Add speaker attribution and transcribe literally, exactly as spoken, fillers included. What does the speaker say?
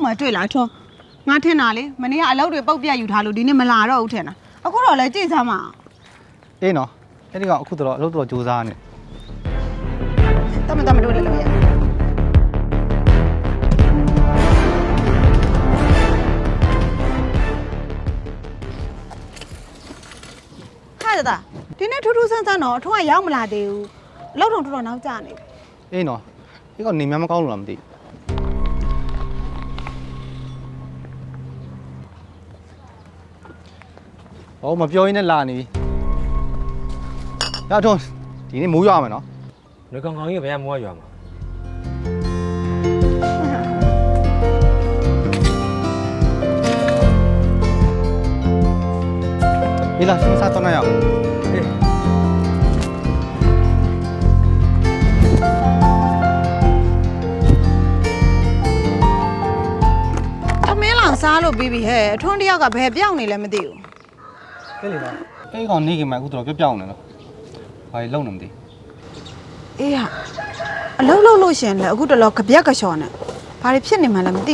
Speaker 1: မှတွေ့လာထွန်းငါထင်တာလေမနေ့ကအလုပ်တွေပုတ်ပြတ်ယူထားလို့ဒီနေ့မလာတော့ဘူးထင်တာအခုတော့လည်းကြည့်စမ်းပါ
Speaker 2: အေးနော်အဲ့ဒီကောင်အခုတော့အလုပ်တော့စူးစမ်းနေ
Speaker 1: တမတမတို့လည်းလို့ရဟာဒါဒီနေ့ထူးထူးဆန်းဆန်းတော့ထွန်းကရောက်မလာသေးဘူးအလုပ်တော့တော်တော်နောက်ကျနေ
Speaker 2: အေးနော်ဒီကောင်နေများမကောင်းလို့လားမသိဘူးဟောမပြောရင်းနဲ့လာနေပြီရထွန်းဒီနေ့မိုးရွာမယ်နော်
Speaker 3: လူကောင်ကောင်ကြီးဘယ်ကမိုးရွာမှာ
Speaker 2: ဒီလားစဉ်းစားတော့နိုင်အောင်
Speaker 3: အေး
Speaker 1: အမင်းလောင်စားလို့ပြီးပြီဟဲ့ထွန်းတယောက်ကဘယ်ပြောင်းနေလဲမသိဘူး
Speaker 2: ကဲလေနော်အဲ့ဒီကောင်နေခင်မှာအခုတော့ပြောပြောင်းနေနော်ဘာလို့လုံနေမသိ
Speaker 1: အေးဟာအလုံးလုံးလို့ရှင်လေအခုတလောကပြက်ကချော်နဲ့ဘာတွေဖြစ်နေမှလည်းမသိ